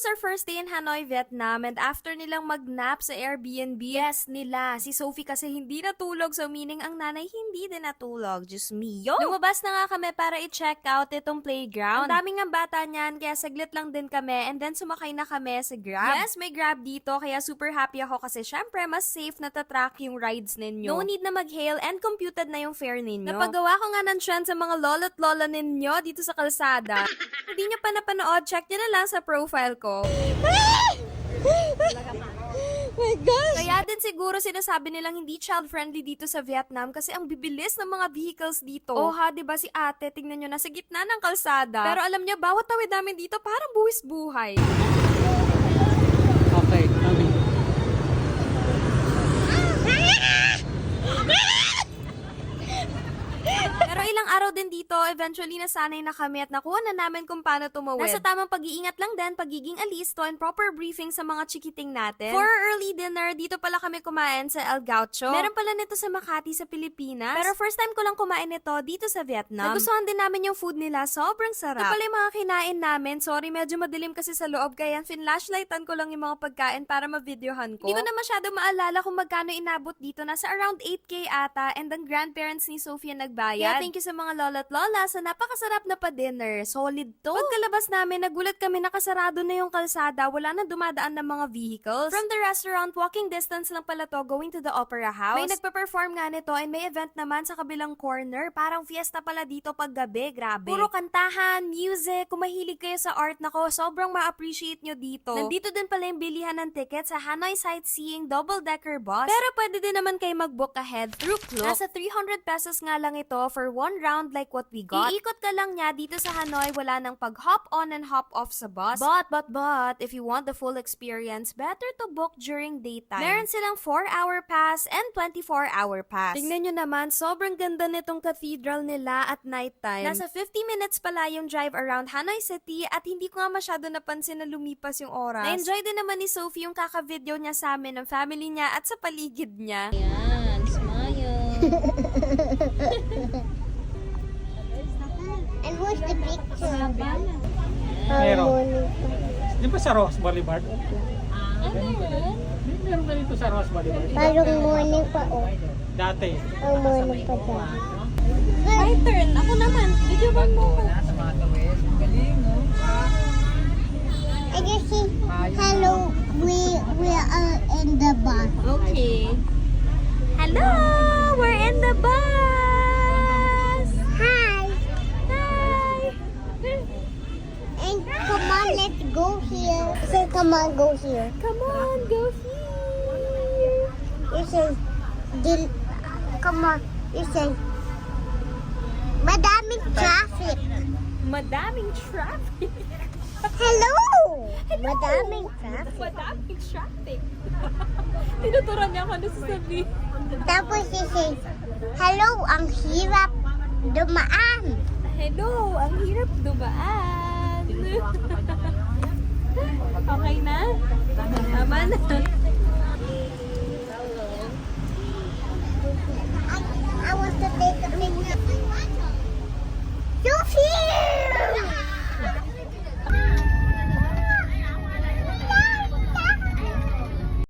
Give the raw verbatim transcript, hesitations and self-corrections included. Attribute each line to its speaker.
Speaker 1: was our first day in Hanoi, Vietnam, and after nilang mag-nap sa Airbnb, yes nila, si Sophie kasi hindi natulog, so meaning ang nanay hindi din natulog. Just me, yo! Lumabas na nga kami para i-check out itong playground. Ang daming nga bata niyan, kaya saglit lang din kami, and then sumakay na kami sa Grab. Yes, may Grab dito, kaya super happy ako kasi syempre mas safe na tatrack yung rides ninyo. No need na mag-hail and computed na yung fare ninyo. Napagawa ko nga ng trend sa mga lolo't lola ninyo dito sa kalsada. Hindi nyo pa napanood, check nyo na lang sa profile ko. My gosh! Kaya din siguro sinasabi nilang hindi child-friendly dito sa Vietnam kasi ang bibilis ng mga vehicles dito. Oh ha, diba si ate, tingnan nyo, nasa gitna ng kalsada. Pero alam nyo, bawat tawid namin dito parang buwis buhay.
Speaker 2: Okay, kami.
Speaker 1: Pero ilang araw din dito, eventually nasanay na kami at nakuha na namin kung paano tumawid. Nasa tamang pag-iingat lang din, pagiging alisto and proper briefing sa mga chikiting natin. For our early dinner, dito pala kami kumain sa El Gaucho. Meron pala nito sa Makati sa Pilipinas. Pero first time ko lang kumain nito dito sa Vietnam. Nagustuhan din namin yung food nila, sobrang sarap. Ito pala yung mga kinain namin. Sorry, medyo madilim kasi sa loob, kaya finlashlightan ko lang yung mga pagkain para ma-videohan ko. Hindi ko na masyado maalala kung magkano inabot dito. Nasa around eight K ata, and ang grandparents ni Sophia nagbayad. Thank you sa mga lola't lola sa napakasarap na pa-dinner. Solid to. Pagkalabas namin, nagulat kami nakasarado na yung kalsada. Wala na dumadaan ng mga vehicles. From the restaurant, walking distance lang pala to going to the opera house. May nagpa-perform nga nito and may event naman sa kabilang corner. Parang fiesta pala dito pag gabi. Grabe. Puro kantahan, music. Kung mahilig kayo sa art, nako, sobrang ma-appreciate nyo dito. Nandito din pala yung bilihan ng ticket sa Hanoi Sightseeing Double-Decker Bus. Pero pwede din naman kayo mag-book ahead through Klook. Nasa three hundred pesos nga lang ito for one round like what we got. Iikot ka lang niya dito sa Hanoi, wala nang pag-hop on and hop off sa bus. But, but, but, if you want the full experience, better to book during daytime. Meron silang four hour pass and twenty-four hour pass. Tingnan nyo naman, sobrang ganda nitong cathedral nila at nighttime. Nasa fifty minutes pala yung drive around Hanoi City at hindi ko nga masyado napansin na lumipas yung oras. Na-enjoy din naman ni Sophie yung kaka-video niya sa amin ng family niya at sa paligid niya.
Speaker 3: Yan, smile.
Speaker 4: And where's the picture?
Speaker 2: Meron. Di ba sa Rose Boulevard?
Speaker 3: Ah, meron.
Speaker 2: May meron ganito sa Rose Boulevard.
Speaker 4: Parang morning pa, oh.
Speaker 2: Dati.
Speaker 4: Ang morning pa dyan.
Speaker 3: My turn. Ako naman. Video ba mo?
Speaker 4: I just see, hello, we, we are in the bus.
Speaker 3: Okay.
Speaker 1: Hello! We're in the bus!
Speaker 4: Hi!
Speaker 1: Hi!
Speaker 4: And come on, let's go here. Say, come on, go here.
Speaker 1: Come on, go here!
Speaker 4: You say, dil, come on. You say, madaming traffic.
Speaker 1: Madaming traffic!
Speaker 4: Hello! Madaming traffic.
Speaker 1: Madaming traffic! Tinuturan niya ako na sasabihin.
Speaker 4: Tapos you say, hello, ang hirap dumaan.
Speaker 1: Hello! Ang hirap dumaan! Okay na? Tama na.